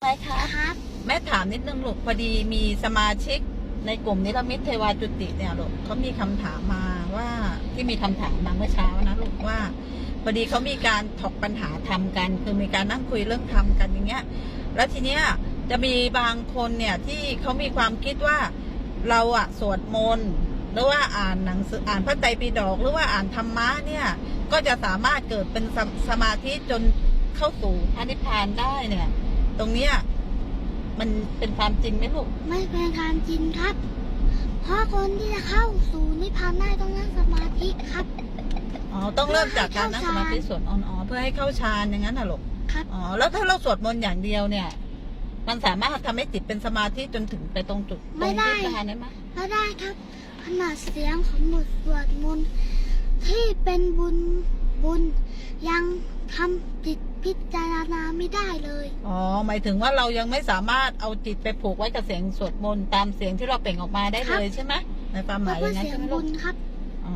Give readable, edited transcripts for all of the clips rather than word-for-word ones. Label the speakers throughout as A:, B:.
A: อะไรคะ
B: ครับ
A: แม่ถามนิดนึงลูกพอดีมีสมาชิกในกลุ่มนิรมิตเทวาจุติเนี่ยลูกเขามีคำถามมาว่าที่มีคำถามมาเมื่อเช้านะลูกว่าพอดีเขามีการถกปัญหาธรรมกันคือมีการนั่งคุยเรื่องธรรมกันอย่างเงี้ยแล้วทีเนี้ยจะมีบางคนเนี่ยที่เขามีความคิดว่าเราอะสวดมนต์หรือว่าอ่านหนังสืออ่านพระไตรปิฎกหรือว่าอ่านธรรมะเนี่ยก็จะสามารถเกิดเป็นสมาธิจนเข้าสู่พระนิพพานได้เนี่ยตรงเนี้ยมันเป็นความจริงไหมลูก
B: ไม่เป็นความจริงครับ เพราะคนที่จะเข้าสู่นิพพานได้ต้องนั่งสมาธิครับ
A: อ๋อต้องเริ่มจากการนั่งสมาธิสวดอ๋อเพื่อให้เข้าฌานอย่างนั้นน่ะลูก
B: ครับ
A: อ๋อแล้วถ้าเราสวดมนต์อย่างเดียวเนี่ย มันสามารถทำให้จิตเป็นสมาธิจนถึงไปตรงจุดตรง
B: ไม่ได้
A: นิพพานได้ไหม
B: ไม่ได้ครับขนาดเสียงของบทสวดมนต์ที่เป็นบุญยังทำจิตพิจารณาไม่ได้เลย
A: อ๋อหมายถึงว่าเรายังไม่สามารถเอาจิตไปผูกไว้กับเสียงสวดมนต์ตามเสียงที่เราเปล่งออกมาได้เลยใช่ไหมในความห
B: เพ
A: มาย
B: ราะ
A: อ
B: ว่า
A: ย่างนั้น
B: เสีย
A: ใช่
B: ง
A: ไหม
B: บุ
A: ลูก
B: ญครับ
A: อ๋อ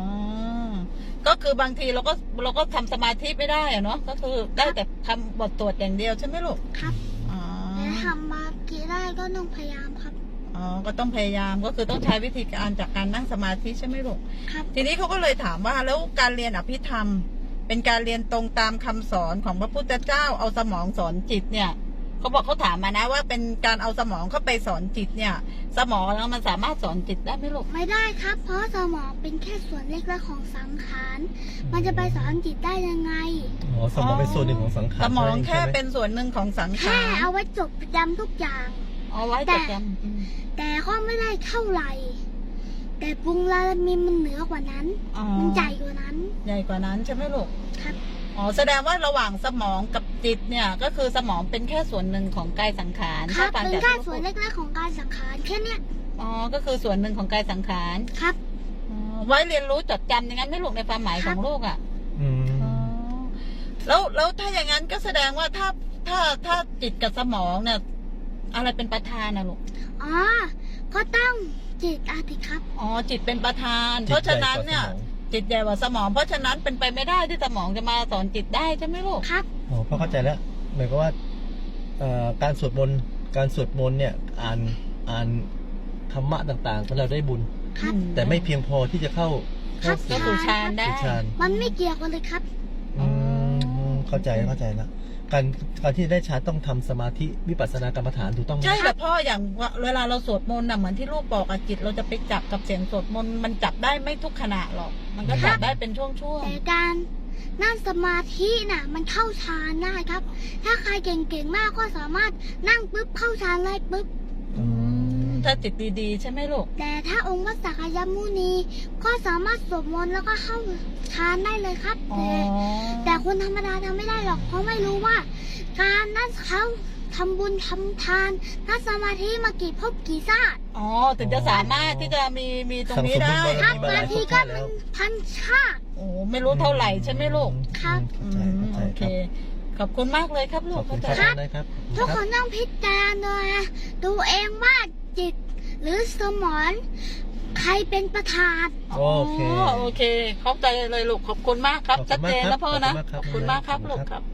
A: ก็คือบางทีเราก็ทำสมาธิไม่ได้อะเนาะก็คือได้แต่ทำบทสวดอย่างเดียวใช่ไหมลูก
B: ครับ
A: อ๋อ
B: แต่ทำมากี่ได้ก็ต้องพยายามครับ
A: อ๋อก็ต้องพยายามก็คือต้องใช้วิธีการจากการนั่งสมาธิใช่ไหมลูก
B: ครับ
A: ทีนี้เขาก็เลยถามว่าแล้วการเรียนอภิธรรม เป็นการเรียนตรงตามคำสอนของพระพุทธเจ้าเอาสมองสอนจิตเนี่ยเขาบอกเขาถามมานะว่าเป็นการเอาสมองเข้าไปสอนจิตเนี่ย สมองแล้วมันสามารถสอนจิตได้ไหมลูก
B: ไม่ได้ครับ เพราะสมองเป็นแค่ส่วนเล็กๆของสังขาร มันจะไปสอนจิตได้ยังไง
C: อ๋อสมองเป็นส่วนหนึ่งของสังขาร
A: สมองแค่
C: ใช่ไหม
A: เป็นส่วนหนึ่งของสัง
B: แค่
A: ขาร
B: เอาไว้จดจำทุกอย่าง
A: เอาไว้จดจำ
B: แต่ก็ไม่ได้เท่าไหร่ แต่ปรุงลาลามินมันเหนือกว่านั้น
A: อ๋อ
B: มันใหญ่กว่านั้น
A: ใหญ่กว่านั้นใช่ไหมลูก
B: ครับ
A: อ๋อแสดงว่าระหว่างสมองกับจิตเนี่ยก็คือสมองเป็นแค่ส่วนหนึ่งของกายสังขาร
B: ครับ
A: ถ้าต่าง
B: เป็น
A: จาก
B: แค่
A: ที่
B: ส่วนเล็กๆของการสังขารแค่เนี้ย
A: อ๋อก็คือส่วนหนึ่งของกายสังขาร
B: ครับ
A: อ๋อไว้เรียนรู้จดจำอย่างนั้นไหม่ลูกในความหมายของลูกอ่ะ
C: อืม
A: อ๋อแล้วถ้าอย่างนั้นก็แสดงว่าถ้าจิตกับสมองเนี่ยอะไรเป็นประธานนะลูก
B: อ๋อ ก็ต้องจิตอาทิครับ
A: อ๋อจิตเป็นประธาน เพราะฉะนั้นเนี่ยจิตใหญ่กว่าสมอง เพราะฉะนั้นเป็นไปไม่ได้ที่สมองจะมาสอนจิตได้ใช่ไหมลูก
B: ครับ
C: อ๋อพอเข้าใจแล้วหมายความว่าการสวดมนต์เนี่ยอ่านธรรมะต่างๆก็เราได้บุญ
B: ครับ
C: แต่ไม่เพียงพอที่จะเข้า
B: ครับ
A: ก็สู่ฌานได้
C: ฌาน
B: มันไม่เกี่ยวกันเลยครับ
C: อืมเข้าใจแล้วการที่ได้ฌานต้องทำสมาธิวิปัสสนากรรมฐานถูกต้องไหม
A: ใช่แต่พ่ออย่างเวลาเราสวดมนต์น่ะเหมือนที่ลูกบอกอะจิตเราจะไปจับกับเสียงสวดมนต์มันจับได้ไม่ทุกขณะหรอก มันก็จับได้เป็นช่วง
B: แต่การนั่งสมาธิน่ะ มันเข้าฌานได้ครับ ถ้าใครเก่งๆมากก็สามารถนั่งปุ๊บเข้าฌานเลยปุ๊บ
C: อืม
A: ถ้าจิตดีๆใช่ไหมลูก
B: แต่ถ้าองค์พระสักยมุนีก็สามารถสวดมนต์แล้วก็เข้าฌานได้เลยครับ
A: อ๋อ
B: แต่คนธรรมดาทำไม่ได้หรอกเพราะไม่รู้ว่า การนั่งเขาทำบุญทำทานนั่งสมาธิมากี่ภพกี่ชาติ
A: อ๋อถึงจะสามารถที่จะมีตรงนี้ได้
B: ครับ
C: มีมาห
B: บา
C: ลาง ย
B: ที
C: ภพ
B: ก็
C: ชาติแล้ว
B: พันชาติ
A: โอ้ไม่รู้เท่าไหร่ใช่ไหมลูก
B: ครับ
C: เข้าใจ
A: โอเค
C: ครับ
A: ขอบคุณมากเลยครับลู
C: ข
A: ก
C: อบคุณ
A: เข้า
C: ค
A: ใจ
C: รับนะครับ
B: ทุกคนต้องพิจารณาตัวเองว่าจิตหรือสมองใครเป็นประธาน
C: โอเค
A: โอเคเข้าใจเลยลูกขอบคุณมากครับ
C: ขอบคุ
A: ชัด
C: ณมาก
A: เจน
C: ครั
A: แล้ว
C: บ
A: พ่อนะ
C: ข
A: ข
C: อ
A: อ
C: บบ คุ
A: คุณ
C: ณ
A: มาม
C: าก ก
A: ครับ
C: ครับ
A: ลูกครับ